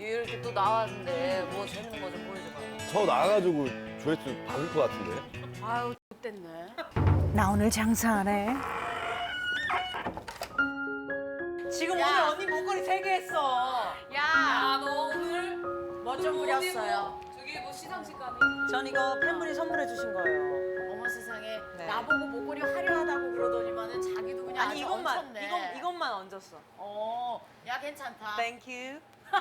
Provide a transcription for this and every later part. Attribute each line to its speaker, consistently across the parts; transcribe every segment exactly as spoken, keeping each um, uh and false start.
Speaker 1: 이렇게 또 나왔는데 뭐 재밌는 거 좀 보여줘봐요.
Speaker 2: 저 나가가지고 조회수 받을 것 같은데.
Speaker 1: 아유, X됐네.
Speaker 3: 나 오늘 장사하네.
Speaker 4: 지금
Speaker 1: 야.
Speaker 4: 오늘 언니 목걸이 세 개 했어.
Speaker 1: 야,
Speaker 5: 너 오늘
Speaker 1: 뭐 좀 부렸어요.
Speaker 5: 저기 뭐 시상식 가니?
Speaker 4: 전 이거 팬분이 선물해 주신 거예요.
Speaker 1: 어머 세상에
Speaker 4: 네.
Speaker 1: 나보고 목걸이 화려하다고 그러더니만은 자기도 그냥
Speaker 4: 아니
Speaker 1: 아주
Speaker 4: 이것만
Speaker 1: 얹혔네.
Speaker 4: 이건 이것만 얹었어.
Speaker 1: 어, 야 괜찮다.
Speaker 4: 땡큐.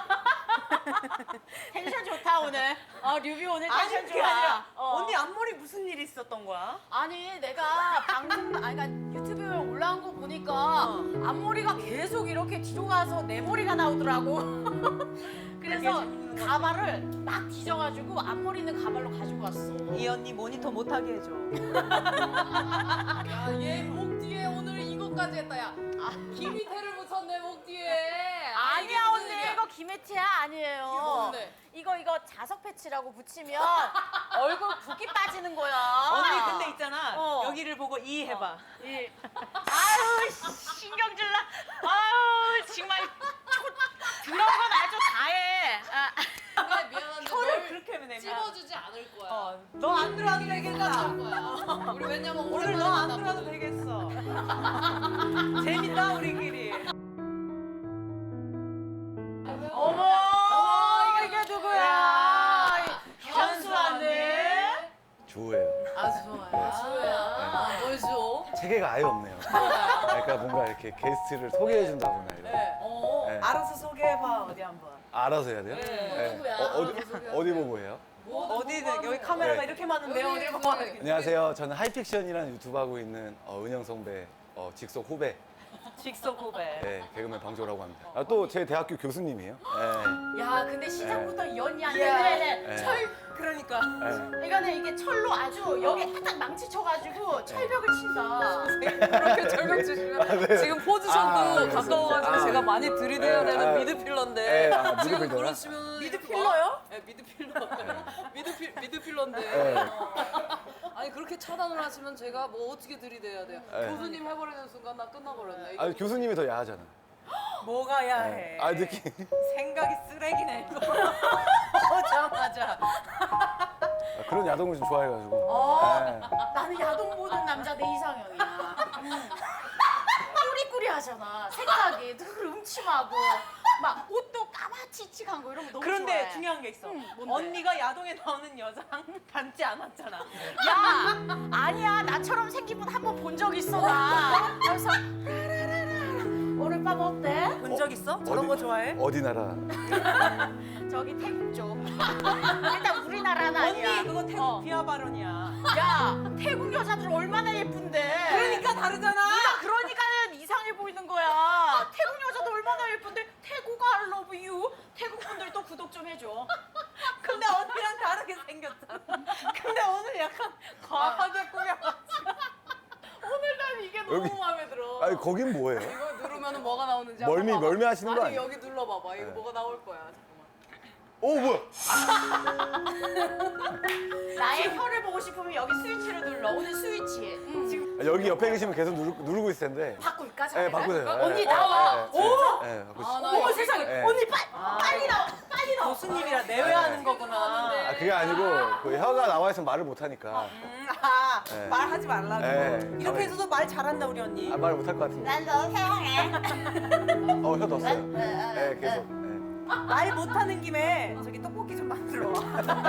Speaker 1: 텐션 좋다 오늘. 어, 류비 오늘
Speaker 4: 아니
Speaker 1: 텐션
Speaker 4: 그게
Speaker 1: 좋아.
Speaker 4: 아니라
Speaker 1: 어.
Speaker 4: 언니 앞머리 무슨 일이 있었던 거야?
Speaker 1: 아니 내가 방송 아니 그러니까 유튜브에 올라온 거 보니까
Speaker 4: 어.
Speaker 1: 앞머리가 계속 이렇게 뒤로 가서 내 머리가 나오더라고. 그래서
Speaker 4: 재밌는
Speaker 1: 가발을 막 뒤져가지고 앞머리 있는 가발로 가지고 왔어.
Speaker 4: 이 언니 모니터 못하게 해줘.
Speaker 5: 야, 얘 목 뒤에 오늘 이것까지 했다, 야. 아, 김희태를 붙였네, 목 뒤에. 아, 이게
Speaker 1: 아니야
Speaker 5: 무슨
Speaker 1: 언니
Speaker 5: 일이야?
Speaker 1: 이거 김혜태야 아니에요.
Speaker 5: 이거 뭔데?
Speaker 1: 이거 이거 자석 패치라고 붙이면 얼굴 붓기 빠지는 거야.
Speaker 4: 언니 근데 있잖아.
Speaker 1: 어.
Speaker 4: 여기를 보고 이 해봐.
Speaker 1: 이. 아유 씨, 신경질나. 아유 정말 초- 그런 건 아주 다해. 아.
Speaker 5: 근데 미안한데
Speaker 4: 혀를
Speaker 5: 널
Speaker 4: 그렇게 하면 내면.
Speaker 5: 찝어주지 않을 거야.
Speaker 4: 어, 너 안 들어와도 되겠다.
Speaker 5: 할 거야. 우리 왜냐면
Speaker 4: 오늘 너 안 들어와도 되겠어. 재밌다 우리끼리.
Speaker 1: 어머 이게 누구야?
Speaker 4: 현수 언니.
Speaker 2: 주호예요.
Speaker 5: 아, 좋아요. 주호야. 뭘 줘?
Speaker 2: 체계가 아예 없네요. 그러니까 뭔가 이렇게 게스트를 소개해준다거나 이런.
Speaker 5: 네. 어.
Speaker 2: 네.
Speaker 4: 알아서 소개해봐 어디 한번.
Speaker 2: 알아서 해야 돼요?
Speaker 5: 네. 누구야?
Speaker 2: 어, 어디,
Speaker 5: 알아서 소개하세요.
Speaker 2: 어디 보고 해요?
Speaker 5: 뭐,
Speaker 4: 어디든
Speaker 5: 뭐
Speaker 4: 여기
Speaker 5: 하는
Speaker 4: 카메라가
Speaker 2: 네.
Speaker 4: 이렇게 많은데요.
Speaker 5: 여기,
Speaker 4: 어디
Speaker 5: 여기.
Speaker 4: 봐.
Speaker 2: 안녕하세요. 저는 하이픽션이라는 유튜브 하고 있는 어, 은영 선배 어, 직속 후배
Speaker 4: 직속 후배.
Speaker 2: 네, 개그맨 방조라고 합니다. 아, 또 제 대학교 교수님이에요. 네.
Speaker 1: 야 근데 시작부터 연이 안
Speaker 4: 야.
Speaker 1: 되네.
Speaker 2: 네.
Speaker 1: 철
Speaker 4: 그러니까.
Speaker 2: 네.
Speaker 1: 이거는 이게 철로 아주 여기 딱 망치 쳐가지고 철벽을 친다.
Speaker 5: 그렇게 절벽 주시면
Speaker 2: 네.
Speaker 5: 지금 포지션도
Speaker 2: 아, 그래서.
Speaker 5: 가까워가지고
Speaker 2: 아.
Speaker 5: 제가 많이 들이대야
Speaker 2: 네.
Speaker 5: 되는
Speaker 2: 아.
Speaker 5: 미드필러인데
Speaker 2: 네, 아,
Speaker 5: 지금
Speaker 2: 미드필러요?
Speaker 5: 그러시면
Speaker 4: 미드필러요?
Speaker 5: 네, 미드필러. 미드필 미드필러인데
Speaker 2: 네.
Speaker 5: 아니 그렇게 차단을 하시면 제가 뭐 어떻게 들이대야 돼요?
Speaker 2: 네.
Speaker 5: 교수님 해버리는 순간 나 끝나버렸네.
Speaker 2: 아, 교수님이 더 야하잖아.
Speaker 4: 뭐가 야해.
Speaker 2: 네. 아, 느낌.
Speaker 4: 생각이 쓰레기네 이거. 오자마자.
Speaker 2: 아, 그런 야동을 좀 좋아해가지고.
Speaker 1: 어.
Speaker 2: 네.
Speaker 1: 나는 야동 보는 남자 내 이상형이야. 꾸리꾸리하잖아. 생각이 늘 음침하고 막 옷도 까마치치한 거 이런 거 너무
Speaker 4: 그런데
Speaker 1: 좋아해.
Speaker 4: 중요한 게 있어.
Speaker 1: 응, 뭔데?
Speaker 4: 언니가 야동에 나오는 여장 닮지 않았잖아.
Speaker 1: 야 아니야 나처럼 생긴 분 한 번 본 적 있어 나. 그래서 라라라라 오늘 밤 어때?
Speaker 4: 본 적 있어? 저런 거 좋아해?
Speaker 2: 어디 나라?
Speaker 1: 저기 태국 쪽. 일단 우리나라는 아니야.
Speaker 4: 언니 그거 태국
Speaker 1: 어.
Speaker 4: 비하 발언이야.
Speaker 1: 야 태국 여자들 얼마나 예쁜데.
Speaker 4: 그러니까 다르잖아.
Speaker 1: 네가 그러니까는 이상해 보이는 거야. 태국 여자도 얼마나 예쁜데 태국 I love you. 태국 분들도 구독 좀 해줘.
Speaker 4: 근데 언니랑 다르게 생겼잖아. 근데 오늘 약간 과하게 꾸며가지고.
Speaker 1: 오늘 난 이게 너무
Speaker 2: 여기-
Speaker 1: 마음에 들어.
Speaker 2: 아니, 거긴 뭐예요?
Speaker 5: 이거 누르면 뭐가 나오는지
Speaker 2: 멀미,
Speaker 5: 한번 봐봐.
Speaker 2: 멀미 하시는 거
Speaker 5: 아니
Speaker 2: 아니에요?
Speaker 5: 여기 눌러봐봐. 이거
Speaker 2: 네.
Speaker 5: 뭐가 나올 거야. 잠깐만.
Speaker 2: 오, 뭐야?
Speaker 1: 나의 혀를 보고 싶으면 여기 스위치를 눌러. 오늘 스위치. 응. 지금
Speaker 2: 아, 여기 옆에 계시면 계속 누르, 누르고 있을 텐데.
Speaker 1: 바꿀까?
Speaker 2: 네,
Speaker 1: 자네가?
Speaker 2: 바꾸세요.
Speaker 1: 언니
Speaker 2: 네,
Speaker 1: 나와.
Speaker 2: 네,
Speaker 1: 오.
Speaker 2: 네, 네, 바꾸세요.
Speaker 5: 아, 나
Speaker 1: 어머
Speaker 5: 이거
Speaker 1: 세상에.
Speaker 2: 네.
Speaker 1: 언니 빨리 빨리 나와. 빨리 나와.
Speaker 4: 교수님이라 내외하는 거구나.
Speaker 2: 아, 그게 아니고 그 혀가 나와 있으면 말을 못 하니까.
Speaker 4: 음, 아,
Speaker 2: 네.
Speaker 4: 말하지 말라고.
Speaker 2: 네.
Speaker 4: 이렇게 해서도 말 잘한다 우리 언니.
Speaker 2: 아, 말을 못 할 것 같은데.
Speaker 1: 난 너 사랑해.
Speaker 2: 어, 혀 넣었어요.
Speaker 1: 네,
Speaker 2: 네, 계속. 네.
Speaker 4: 말 못하는 김에 저기 떡볶이 좀 만들어 와.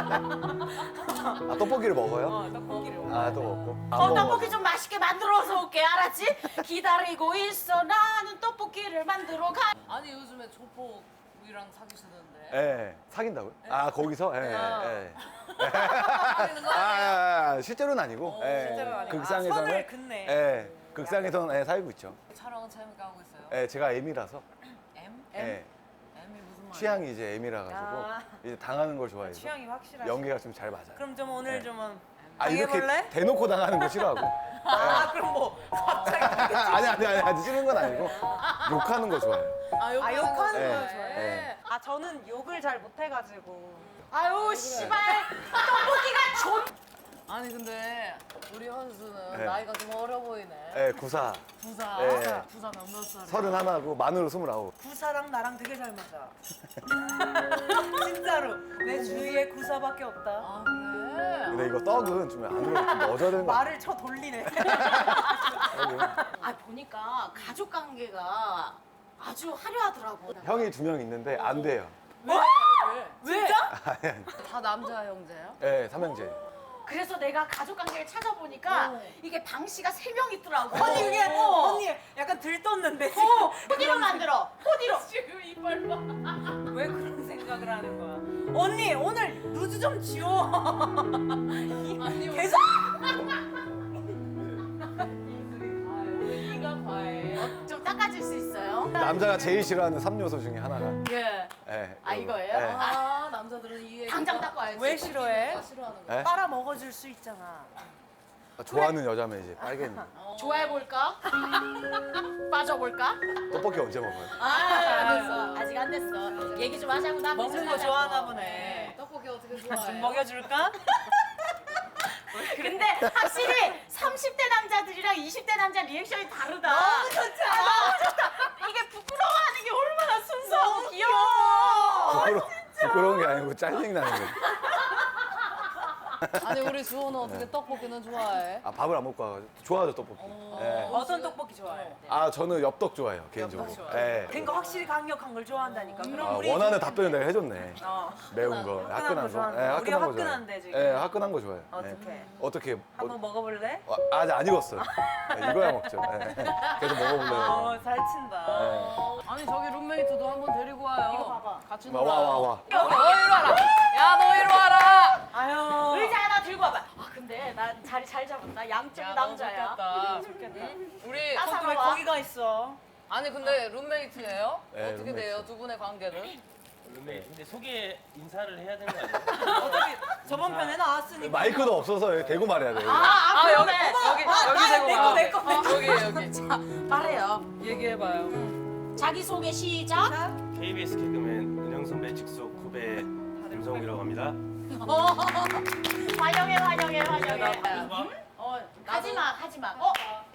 Speaker 2: 아, 떡볶이를 먹어요?
Speaker 4: 어, 떡볶이를.
Speaker 2: 아, 또 먹고. 안
Speaker 1: 어,
Speaker 2: 먹어.
Speaker 1: 떡볶이 좀 맛있게 만들어서 올게, 알았지? 기다리고 있어, 나는 떡볶이를 만들어 가.
Speaker 5: 아니 요즘에 조폭이랑 사귀시던데.
Speaker 2: 예, 사귄다고요? 아, 거기서? 예,
Speaker 5: 아.
Speaker 2: 예.
Speaker 5: 사귀는 거
Speaker 2: 아,
Speaker 5: 아니에요?
Speaker 2: 아, 아, 실제로는 아니고. 예.
Speaker 4: 실제로는 아니고. 아,
Speaker 2: 극상에서는.
Speaker 4: 선을 긋네.
Speaker 2: 예, 극상에서는 예, 살고 있죠.
Speaker 5: 촬영은 재밌게 하고 있어요.
Speaker 2: 예, 제가 M이라서.
Speaker 5: M?
Speaker 2: 예,
Speaker 5: M이 무슨 말이야?
Speaker 2: 취향이 이제 M이라 가지고
Speaker 4: 아.
Speaker 2: 이제 당하는 걸 좋아해서
Speaker 4: 취향이 확실하시.
Speaker 2: 연기가 좀 잘 맞아요.
Speaker 4: 그럼 좀 오늘
Speaker 2: 네.
Speaker 4: 좀
Speaker 2: 아, 이렇게
Speaker 4: 당해볼래?
Speaker 2: 대놓고 당하는 거 싫어하고.
Speaker 4: 아 그럼 뭐 갑자기
Speaker 2: 아니, 아니, 아니, 아니, 싫은 건 아니고 욕하는 거 좋아해요.
Speaker 5: 아,
Speaker 4: 아 욕하는 거
Speaker 2: 네.
Speaker 4: 좋아해.
Speaker 2: 네.
Speaker 4: 아 저는 욕을 잘 못해가지고.
Speaker 1: 아유, 씨발. 떡볶이가 존.
Speaker 5: 아니 근데 우리 현수는
Speaker 2: 네.
Speaker 5: 나이가 좀 어려 보이네.
Speaker 2: 예, 구사.
Speaker 5: 부사.
Speaker 2: 네.
Speaker 5: 부사 몇몇 살이야?
Speaker 2: 서른 하나고 만으로 스물아홉.
Speaker 4: 부사랑 나랑 되게 잘 맞아. 왜 구사밖에 없다?
Speaker 5: 아 그래?
Speaker 2: 근데 이거 떡은 좀 안으로 좀 넣어줘야 되는 거 같아.
Speaker 4: 말을 쳐 돌리네.
Speaker 1: 아 보니까 가족 관계가 아주 화려하더라고.
Speaker 2: 형이 두 명 있는데 안 돼요.
Speaker 5: 왜?
Speaker 4: 진짜?
Speaker 2: 아니, 아니.
Speaker 5: 다 남자 형제야?
Speaker 2: 네, 삼형제.
Speaker 1: 그래서 내가 가족 관계를 찾아보니까
Speaker 5: 어.
Speaker 1: 이게 방 씨가 세 명 있더라고.
Speaker 4: 언니 그게
Speaker 1: 어.
Speaker 4: 언니 약간 들떴는데 지금.
Speaker 1: 어, 호디로 만들어. 호디로.
Speaker 5: 지금 이빨 봐.
Speaker 4: 왜 그런 생각을 하는 거야? 언니 오늘 루즈 좀 지워.
Speaker 5: 아니
Speaker 4: 계속.
Speaker 5: 네가 과해.
Speaker 1: 어, 좀 닦아줄 수 있어요?
Speaker 2: 남자가 제일 싫어하는 삼 요소 중에 하나가.
Speaker 1: 예.
Speaker 2: 네,
Speaker 1: 아,
Speaker 2: 이거.
Speaker 1: 이거예요?
Speaker 2: 네.
Speaker 5: 아 남자들은 이
Speaker 1: 당장 닦고 와야지.
Speaker 4: 왜 싫어해?
Speaker 5: 싫어하는 거야.
Speaker 2: 네?
Speaker 4: 빨아 먹어줄 수 있잖아.
Speaker 2: 좋아하는 여자면 이제 빨갱이.
Speaker 1: 좋아해 볼까? 빠져볼까?
Speaker 2: 떡볶이 언제 먹어요?
Speaker 1: 아, 안 됐어. 아직 안 됐어. 얘기 좀 하자고 나
Speaker 4: 먹는 거 좋아하나 보네.
Speaker 5: 떡볶이 어떻게 좋아해?
Speaker 4: 좀 먹여줄까?
Speaker 1: 근데 확실히 삼십 대 남자들이랑 이십 대 남자 리액션이 다르다.
Speaker 4: 너무 좋지 않아?
Speaker 1: 너무 좋다. 이게 부끄러워하는 게 얼마나 순수하고 귀여워.
Speaker 2: 부끄러, 부끄러운 게 아니고 짜증 나는 거지.
Speaker 5: 아니 우리 주호는 어떻게 떡볶이는 좋아해?
Speaker 2: 아, 밥을 안 먹고 와가지고. 좋아하죠, 떡볶이. 네.
Speaker 4: 어떤 떡볶이 좋아해?
Speaker 2: 아, 저는 엽떡 좋아해요, 개인적으로.
Speaker 4: 엽떡
Speaker 2: 네.
Speaker 4: 그러니까 확실히 강력한 걸 좋아한다니까. 그럼
Speaker 2: 아,
Speaker 4: 우리
Speaker 2: 원하는
Speaker 4: 지금-
Speaker 2: 답변을 내가 해줬네.
Speaker 4: 어.
Speaker 2: 매운 거,
Speaker 4: 화끈한
Speaker 2: 화끈한
Speaker 4: 거
Speaker 2: 거.
Speaker 4: 좋아하는
Speaker 2: 네,
Speaker 4: 거.
Speaker 2: 화끈한
Speaker 4: 우리가
Speaker 2: 거 좋아해요.
Speaker 4: 화끈한데, 지금.
Speaker 2: 네, 화끈한 거 좋아해요. 네.
Speaker 4: 어떻게?
Speaker 2: 어떻게?
Speaker 4: 한번 먹어볼래?
Speaker 2: 어, 아, 아직 안 익었어요. 네, 이거야 먹죠. 네. 계속 먹어보려고.
Speaker 4: 어, 잘 친다.
Speaker 2: 네.
Speaker 5: 아니 저기 룸메이트도 한번 데리고 와요.
Speaker 1: 이거 봐봐.
Speaker 5: 같이
Speaker 2: 와,
Speaker 5: 놀아.
Speaker 2: 와, 와, 와.
Speaker 5: 너 이리 와라. 야 너 이리 와라.
Speaker 4: 아유.
Speaker 1: 의자 하나 들고 와봐. 아 근데 나 자리 잘 잡았다. 양쪽이 남자야.
Speaker 5: 좋겠다.
Speaker 4: 좋겠다.
Speaker 5: 우리
Speaker 1: 아,
Speaker 4: 어, 왜
Speaker 1: 와.
Speaker 4: 거기가 있어?
Speaker 5: 아니 근데 룸메이트예요?
Speaker 2: 네,
Speaker 5: 어떻게
Speaker 2: 룸메이트.
Speaker 5: 돼요 두 분의 관계는?
Speaker 6: 룸메 근데 소개 인사를 해야 되는 거 아니에요?
Speaker 4: 어차피 저번 편에 나왔으니까.
Speaker 2: 마이크도 없어서 대고 말해야 돼요.
Speaker 1: 아, 아,
Speaker 5: 아 여기
Speaker 1: 그러네.
Speaker 5: 여기
Speaker 4: 아,
Speaker 5: 여기
Speaker 4: 나
Speaker 5: 대고
Speaker 4: 내 거,
Speaker 5: 봐.
Speaker 4: 내 거, 내 거.
Speaker 5: 여기 여기.
Speaker 1: 자, 말해요.
Speaker 5: 얘기해봐요.
Speaker 1: 자기 소개 시작.
Speaker 6: 케이비에스 개그맨 은영 선배 직속 후배 김성욱이라고 합니다.
Speaker 1: 환영해, 환영해, 환영해.
Speaker 5: 나도.
Speaker 1: 어, 하지마, 하지마. 어,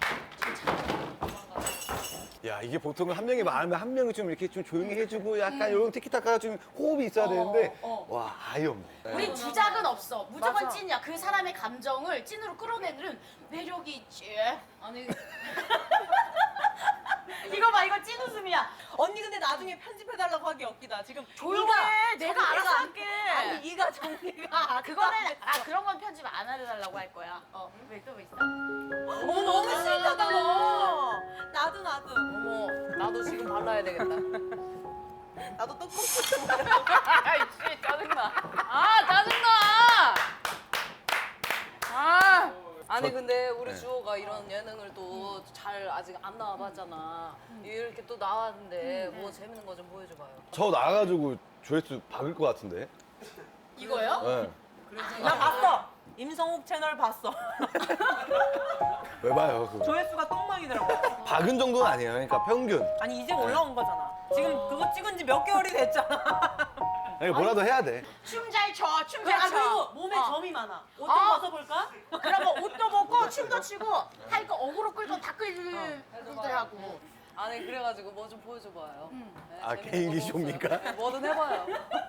Speaker 2: 야, 이게 보통은 한 명이 많으면 한 명이 좀 이렇게 좀 조용히 해주고 약간 이런 티키타카가 좀 호흡이 있어야 되는데
Speaker 1: 어.
Speaker 2: 와, 아예 없네. 네.
Speaker 1: 우린 주작은 없어. 무조건
Speaker 4: 맞아.
Speaker 1: 찐이야. 그 사람의 감정을 찐으로 끌어내는 매력이 있지.
Speaker 5: 아니
Speaker 1: 이거 봐, 이거 찐 웃음이야.
Speaker 4: 언니 근데 나중에 편집해달라고 하기 없기다. 지금
Speaker 1: 조용해. 내가 알아서
Speaker 4: 정리가-
Speaker 1: 할게.
Speaker 4: 아니 이가 정리가.
Speaker 1: 아, 그거는 아 그런 건 편집 안 해달라고 할 거야. 어, 왜 또 있어?
Speaker 4: 어머 너무 싫다다 너. 나도 나도.
Speaker 5: 어머 나도 지금 발라야 되겠다.
Speaker 4: 나도 떡볶이.
Speaker 5: 아이씨 짜증나. 아 짜증나. 아 아니
Speaker 2: 저-
Speaker 5: 근데 우리
Speaker 2: 네.
Speaker 5: 주호가 이런 예능을 또 잘 아직 안 나와봤잖아. 이렇게 또 나왔는데 뭐 재밌는 거 좀 보여줘봐요.
Speaker 2: 저 나가가지고 조회수 박을 것 같은데.
Speaker 1: 이거요?
Speaker 2: 네.
Speaker 4: 나 봤어. 임성욱 채널 봤어.
Speaker 2: 왜 봐요? 그
Speaker 4: 조회수가 똥망이더라고.
Speaker 2: 박은 정도는 아니에요. 그러니까 평균.
Speaker 4: 아니 이제 올라온 거잖아. 지금 그거 찍은 지 몇 개월이 됐잖아.
Speaker 2: 그러니까 뭐라도 해야 돼.
Speaker 1: 춤 잘 춰, 춤
Speaker 4: 아
Speaker 1: 잘 춰.
Speaker 4: 그리고 몸에
Speaker 1: 어.
Speaker 4: 점이 많아. 옷 좀
Speaker 1: 어.
Speaker 4: 벗어볼까?
Speaker 1: 그러면 옷도 벗고 춤도 추고 할 거 어그로 끌고 다 끌더라고.
Speaker 5: 아니 그래가지고 뭐 좀 보여줘봐요. 네,
Speaker 2: 아,
Speaker 5: 재밌는
Speaker 2: 개인기
Speaker 5: 거
Speaker 2: 쇼입니까?
Speaker 5: 없어요? 네, 뭐든 해봐요.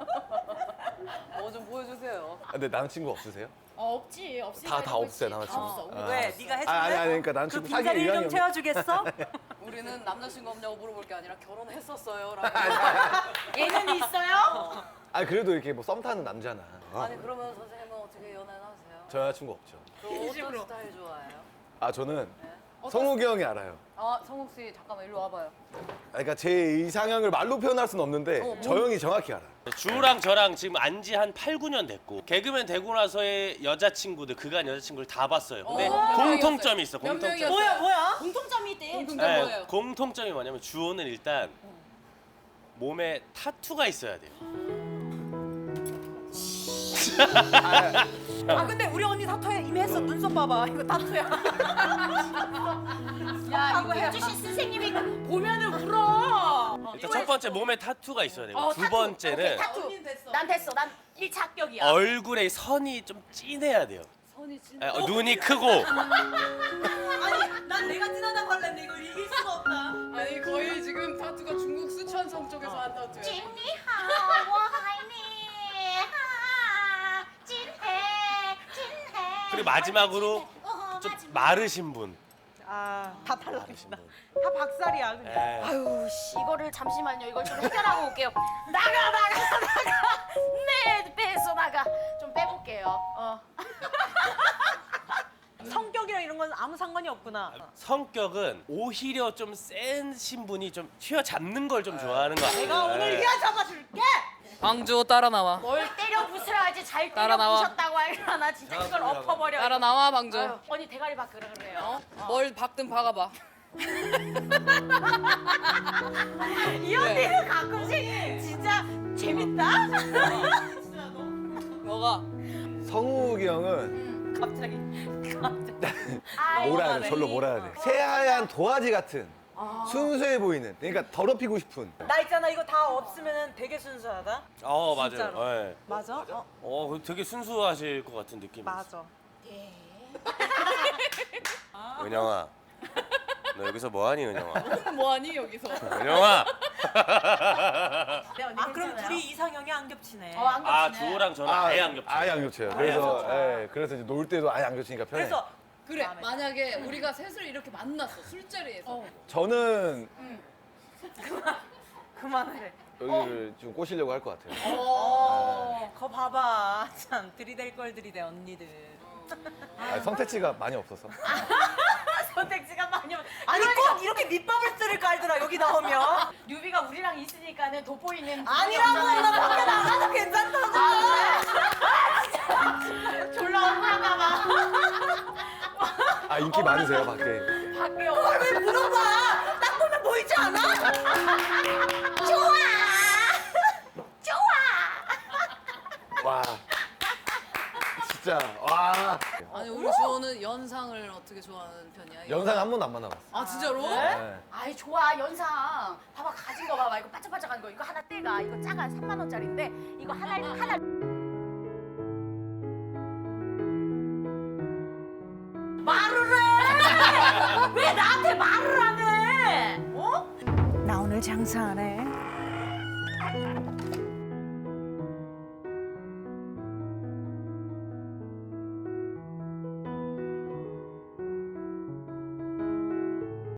Speaker 5: 뭐 좀 보여주세요.
Speaker 2: 아, 근데 남친구 없으세요?
Speaker 1: 어, 없지. 없으니까
Speaker 2: 다- 다
Speaker 1: 이러고
Speaker 2: 없어요,
Speaker 1: 있지.
Speaker 2: 남자친구.
Speaker 1: 다 없어.
Speaker 2: 아.
Speaker 4: 왜? 네가 해줄래?
Speaker 2: 아, 아니, 아니, 그러니까 난
Speaker 4: 그
Speaker 2: 지금
Speaker 4: 빈자리를
Speaker 2: 사귈
Speaker 4: 좀
Speaker 2: 의향이
Speaker 4: 채워주겠어?
Speaker 5: 우리는 남자친구 없냐고 물어볼 게 아니라 결혼했었어요. 라고.
Speaker 1: 얘는 있어요?
Speaker 2: 아, 그래도 이렇게 뭐 썸 타는 남자나.
Speaker 5: 아니 그러면 선생님은 어떻게 연애는 하세요?
Speaker 2: 저 여자친구 없죠.
Speaker 5: 그럼 어떤
Speaker 4: 진심으로.
Speaker 5: 스타일 좋아해요?
Speaker 2: 아, 저는
Speaker 5: 네.
Speaker 2: 성욱이 형이 알아요.
Speaker 5: 아 성욱 씨 잠깐만 일로 와봐요.
Speaker 2: 아, 그러니까 제 이상형을 말로 표현할 수는 없는데
Speaker 5: 어,
Speaker 2: 저 형이 정확히 알아.
Speaker 6: 주랑 저랑 지금 안지 한 팔, 구 년 됐고 개그맨 되고 나서의 여자친구들 그간 여자친구를 다 봤어요. 근데
Speaker 5: 어, 몇
Speaker 6: 공통점이 있어.
Speaker 5: 몇
Speaker 6: 공통점.
Speaker 5: 명이었어요?
Speaker 4: 뭐야 뭐야?
Speaker 1: 공통점이 있대.
Speaker 5: 공통점
Speaker 6: 네,
Speaker 5: 뭐예요?
Speaker 6: 공통점이 뭐냐면 주호는 일단 몸에 타투가 있어야 돼요.
Speaker 4: 아 근데 우리 언니 타투에 이미 했어. 눈썹 봐봐. 이거 타투야.
Speaker 1: 야, 이거 해주신 선생님이 보면은 울어.
Speaker 6: 일단 첫 번째 몸에 타투가 있어야 되고
Speaker 1: 어,
Speaker 6: 두
Speaker 1: 타투.
Speaker 6: 번째는
Speaker 1: 오케이, 타투.
Speaker 5: 언니는 됐어.
Speaker 1: 난 됐어. 난 일 차 합격이야.
Speaker 6: 얼굴에 선이 좀 진해야 돼요.
Speaker 5: 선이 진짜.
Speaker 6: 예, 어, 눈이 크고
Speaker 4: 아니 난 내가 진하다고 할랬는데 이걸 이길 수가 없다.
Speaker 5: 아니 거의 지금 타투가 중국 쓰촨성 쪽에서 한 타투예요.
Speaker 1: 찐니하워 하이니
Speaker 6: 그리고 마지막으로 좀 마르신 분.
Speaker 4: 아다
Speaker 6: 마르신
Speaker 4: 탈락이다.
Speaker 6: 분.
Speaker 4: 다 박살이야 그냥.
Speaker 6: 예.
Speaker 1: 아유 씨 이거를 잠시만요. 이걸 좀 해결하고 올게요. 나가 나가 나가. 네 빼서 나가. 좀 빼볼게요. 어.
Speaker 4: 성격이랑 이런 건 아무 상관이 없구나.
Speaker 6: 성격은 오히려 좀 센신 분이 좀 휘어잡는 걸 좀 좋아하는 것 같아요.
Speaker 4: 내가 오늘
Speaker 6: 예.
Speaker 4: 휘어 잡아줄게.
Speaker 5: 방주 따라 나와.
Speaker 1: 뭘 때려 부스러야지 잘 때려
Speaker 5: 따라 나와.
Speaker 1: 부셨다고 알려나 나 진짜 이걸 엎어버려.
Speaker 5: 따라 나와 방주.
Speaker 1: 아유, 언니 대가리 바꾸라 그래요.
Speaker 5: 뭘 박든 박아봐.
Speaker 1: 이 언니는 가끔씩 진짜 재밌다.
Speaker 5: 뭐가?
Speaker 2: 성욱이 형은
Speaker 4: 갑자기.
Speaker 1: 아이,
Speaker 2: 뭐라 해야 돼? 절로 뭐라 해야 돼? 새하얀 도화지 같은 순수해 보이는, 그러니까 더럽히고 싶은.
Speaker 4: 나 있잖아 이거 다 없으면 되게 순수하다.
Speaker 6: 어 맞아요.
Speaker 4: 진짜로.
Speaker 6: 예.
Speaker 4: 맞아? 어
Speaker 6: 어 그거 되게 순수하실 것 같은 느낌이 있어요.
Speaker 4: 맞아.
Speaker 6: 은영아, 너 여기서 뭐하니 은영아?
Speaker 5: 뭐하니 여기서?
Speaker 6: 은영아.
Speaker 1: 네, 언니
Speaker 4: 아 그럼
Speaker 1: 괜찮아요?
Speaker 4: 둘이 이상형이 안 겹치네.
Speaker 1: 어, 안
Speaker 6: 아
Speaker 1: 겹치네.
Speaker 6: 주호랑 저는 아예 안 겹쳐요.
Speaker 2: 아예 안 겹쳐요. 그래서 예, 그래서 이제 놀 때도 아예 안 겹치니까 편해.
Speaker 4: 그래서
Speaker 5: 그래 만약에 우리가 셋을 이렇게 만났어 술자리에서
Speaker 2: 저는
Speaker 4: 그만해.
Speaker 2: 여기를 좀 꼬시려고 할 것 같아요.
Speaker 4: 어, 거 봐봐. 참 들이댈 걸 들이대 언니들.
Speaker 2: 아, 선택지가 많이 없어서.
Speaker 1: 선택지가 많이 없-
Speaker 4: 아니
Speaker 1: 그러니까
Speaker 4: 꼭 이렇게 밑밥을 쓰를 깔더라 여기 나오면.
Speaker 1: 뉴비가 우리랑 있으니까는 돋보이는
Speaker 4: 아니라고 나 밖에 나가도 괜찮다고.
Speaker 1: 졸라 억울한가 봐.
Speaker 2: 아, 인기 많으세요, 밖에.
Speaker 1: 밖에
Speaker 4: 그걸 왜 물어봐? 딱 보면 보이지 않아?
Speaker 1: 좋아. 좋아.
Speaker 2: 와. 진짜, 와.
Speaker 5: 아니 우리 주호는 연상을 어떻게 좋아하는 편이야?
Speaker 2: 연상 한 번도 안 만나봤어.
Speaker 5: 아 진짜로?
Speaker 2: 네.
Speaker 1: 아이 좋아 연상. 봐봐 가진 거 봐봐 이거 반짝반짝한 거 이거 하나 떼가 이거 작아 삼만 원짜리인데 이거 하나 하나. 말을 해. 왜 나한테 말을 안 해? 어?
Speaker 3: 나 오늘 장사하네.